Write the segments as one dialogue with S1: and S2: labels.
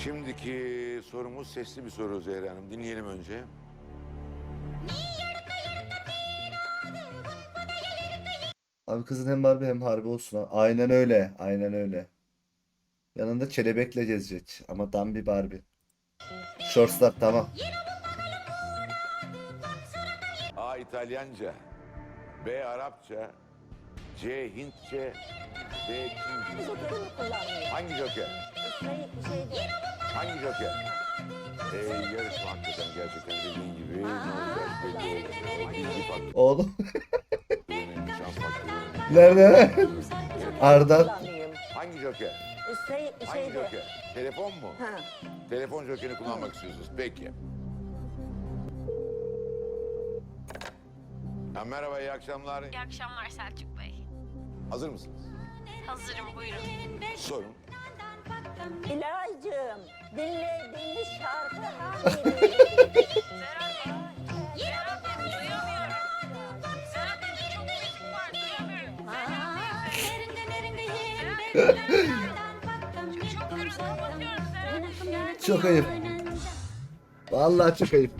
S1: Şimdiki sorumuz sesli bir soru Zehra Hanım. Dinleyelim önce.
S2: Abi kızın hem Barbie hem Harbi olsun ha. Aynen öyle. Aynen öyle. Yanında kelebekle gezecek. Ama tam bir Barbie. Shortslar tamam.
S1: A. İtalyanca, B. Arapça, C. Hintçe, D. Çince.
S3: Joker'i mi kullanmıyor?
S1: Hangi joker?
S3: Şey değil.
S1: Hangi joker? Yarışma hakikaten gerçekten dediğin gibi ne olacak belli olmuyor. Hangi faktörün
S2: Oğlum.
S1: önemli, şans faktörü önemli.
S2: Nerede? Arda.
S3: Kullanayım.
S1: Hangi joker? Hangi
S3: Şeyde.
S1: joker? Telefon mu?
S3: Ha.
S1: Telefon jokerini kullanmak istiyorsunuz. Peki. Ha, merhaba, iyi akşamlar.
S4: İyi akşamlar Selçuk Bey.
S1: Hazır mısınız?
S4: Hazırım, buyurun.
S1: Sorun.
S3: İlaycığım, dinlediğiniz şarkı hangisi?
S4: Serhat Bey, duyamıyorum. Serhat Bey, çok müzik var, duyamıyorum. Çok gürültü, kapatıyorum Serhat Bey.
S2: Çok ayıp. Vallahi çok ayıp.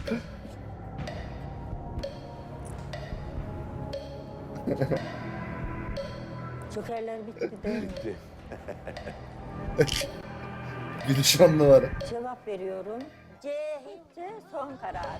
S3: Jokerler bitti değil mi?
S1: Bitti.
S2: Gülüş on numara.
S3: Cevap veriyorum. C hiç son karar.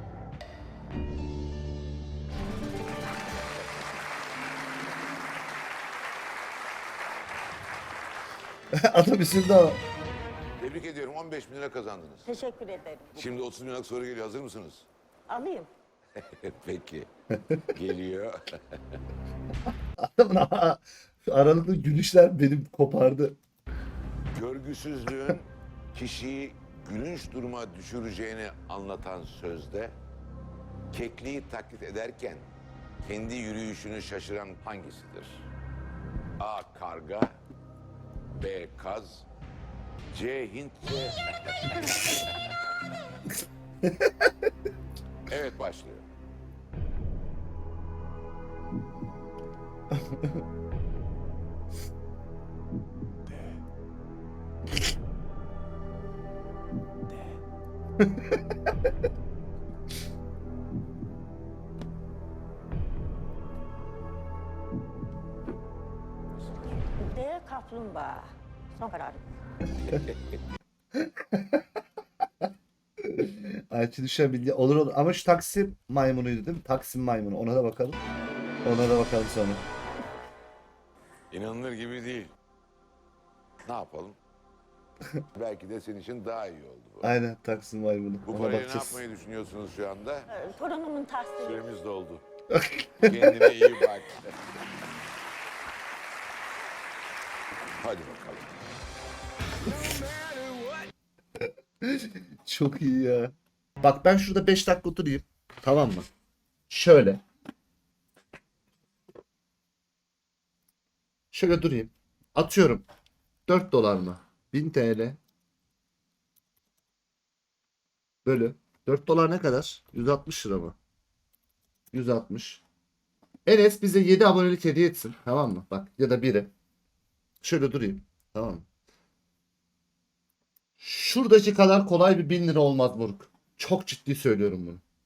S2: Adam üzüldü ama.
S1: Tebrik ediyorum. 15 bin lira kazandınız.
S3: Teşekkür ederim.
S1: Şimdi 30 bin liralık soru geliyor. Hazır mısınız?
S3: Alayım.
S1: Peki. Geliyor.
S2: Adamın aralıklı gülüşler benim kopardı.
S1: Görgüsüzlüğün kişiyi gülünç duruma düşüreceğini anlatan sözde kekliği taklit ederken kendi yürüyüşünü şaşıran hangisidir? A. Karga, B. Kaz, C. Hintçe. Evet, başlıyor.
S3: D kaplumbağa. Son karar.
S2: Ayçi düşen bilgi olur olur. Ama şu Taksim maymunuydu değil mi? Taksim maymunu. Ona da bakalım. Ona da bakalım sonra.
S1: İnanılır gibi değil. Ne yapalım? Belki de senin için daha iyi oldu bu.
S2: Aynen Taksim maymunu.
S1: Bu
S2: Ona
S1: parayla ne
S2: bakacağız.
S1: yapmayı düşünüyorsunuz şu anda?
S3: Torunumun tahsili.
S1: Süremiz doldu. Kendine iyi bak. Hadi bakalım.
S2: Çok iyi ya. Bak ben şurada 5 dakika oturayım. Tamam mı? Şöyle. Şöyle durayım. Atıyorum. 4 dolar mı? 1000 TL. Bölü. 4 dolar ne kadar? 160 lira mı? 160. Enes bize 7 abonelik hediye etsin. Tamam mı? Bak ya da biri. Şöyle durayım. Tamam mı? Şuradaki kadar kolay bir 1000 lira olmaz Buruk. Çok ciddi söylüyorum bunu.